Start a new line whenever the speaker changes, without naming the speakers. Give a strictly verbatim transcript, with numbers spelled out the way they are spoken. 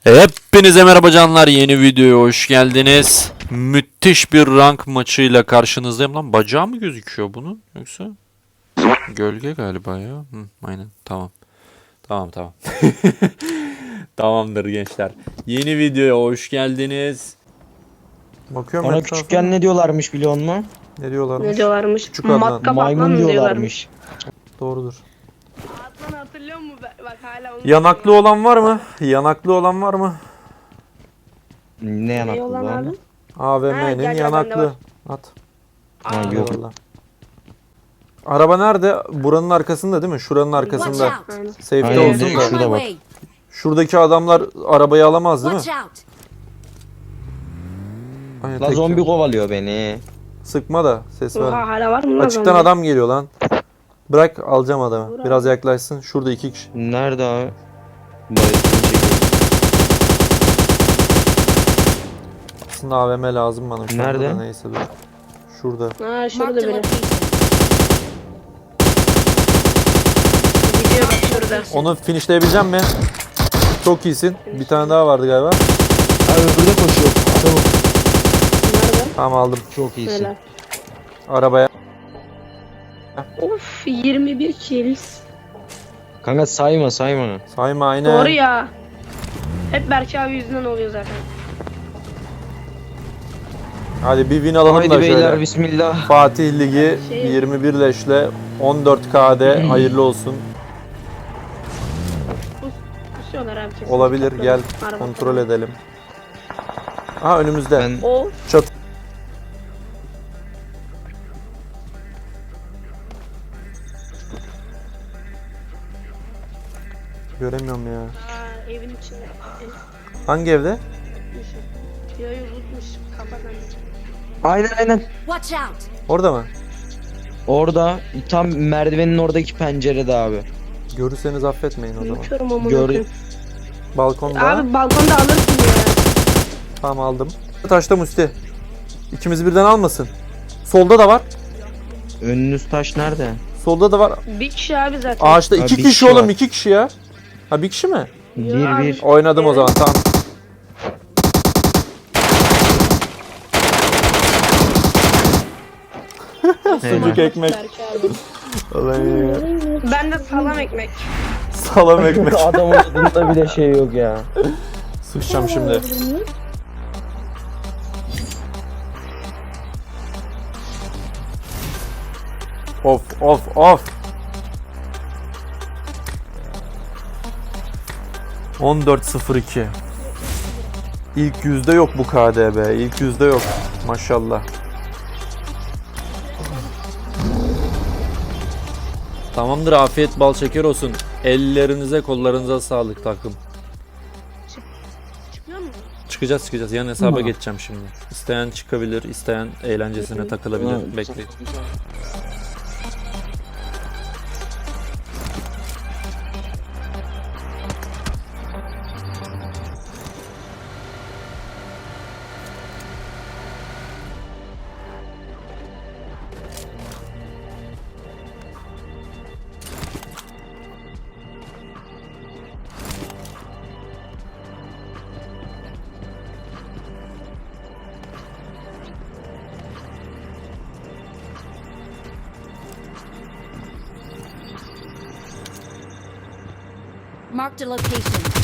Hepinize merhaba canlar, yeni videoya hoş geldiniz. Müthiş bir rank maçıyla karşınızdayım. Lan bacağı mı gözüküyor bunun yoksa? Gölge galiba ya. Hı, aynen, tamam. Tamam tamam. Tamamdır gençler. Yeni videoya hoş geldiniz. Bakıyorum
Bana
etrafa.
küçükken ne diyorlarmış biliyor musun?
Ne diyorlarmış?
Ne diyorlarmış?
Küçük Adnan.
Matkap
Maymun
Adnan
diyorlarmış.
Doğrudur.
Adnan hatırlıyor musun? Bak hala onu
Yanaklı olan var mı? Yanaklı olan var mı?
Ne yanaklı
olan
lan?
abi?
A V
Ha,
M'nin
gel, gel, bende
yanaklı.
var.
At.
Ha, yok.
Eyvallah. Araba nerede? Buranın arkasında değil mi? Şuranın arkasında.
Aynen.
Safe'de
Aynen,
olsun
direkt
da.
şurada bak.
Şuradaki adamlar arabayı alamaz değil mi?
Watch out!
Aynen,
La
tek
zombi
yok.
kovalıyor beni.
Sıkma da ses
Oha
var.
hala var mı lan
Açıktan
zombi?
adam geliyor lan. Bırak, alacağım adamı.
Dur
Biraz
abi.
yaklaşsın. Şurada iki kişi.
Nerede abi? Bayıldım çekiyor.
Aslında A V M lazım bana. Şu anda
Nerede?
da neyse dur. Şurada.
Ha şurada
Marked a
biri.
location.
Gidiyor bak şurada.
Onu finishleyebileceğim mi? Çok iyisin. Bir tane daha vardı galiba.
Abi öbürü de koşuyor. Çabuk.
Nerede?
Tamam, aldım.
Çok iyisin.
Helal.
Arabaya.
Of yirmi bir kills.
Kanka sayma sayma.
Sayma, aynen.
Doğru ya. Hep Berke abi yüzünden oluyor zaten.
Hadi bir win alalım
Haydi
da
beyler
şöyle.
bismillah.
Fatih Ligi
Şey-
yirmi bir leşle on dört K'de hayırlı olsun.
Kusuyorlar abi kesin.
Olabilir,
Topla.
gel
Araba
kontrol
falan.
edelim. Ha, önümüzde.
Ben
O
Çat. Göremiyorum ya.
Aa, evin içinde.
Hangi evde?
Yoyu unutmuş. Kafadan.
aynen aynen.
Watch out!
Orada mı?
Orada tam merdivenin oradaki pencerede abi.
Görürseniz affetmeyin o zaman.
Unutuyorum ama.
Gör-
Balkonda.
Abi balkonda alırsın ya.
Tamam, aldım. Taşta Musti. İkimizi birden almasın. Solda da var.
Önünüz taş nerede?
Solda da var.
Bir kişi abi zaten.
Ağaçta
Ha,
iki
bir
kişi
kişi
oğlum,
var.
iki kişi ya. Ha, bir kişi mi?
Bir
abi.
bir.
Oynadım o zaman, tamam. Sucuk ekmek.
Berke abi.
Olay.
Ben de salam ekmek.
Salam ekmek.
Adamın adında bile şey yok ya.
Sıçacağım şimdi. Of of of. on dört sıfır iki. İlk yüzde yok bu K D B. İlk yüzde yok. Maşallah. Tamamdır, afiyet bal şeker olsun. Ellerinize kollarınıza sağlık takım.
Çıkıyor mu?
Çıkacağız çıkacağız. Yan hesaba
Hı.
geçeceğim şimdi. İsteyen çıkabilir, isteyen eğlencesine takılabilir. Bekleyin.
Marked a location.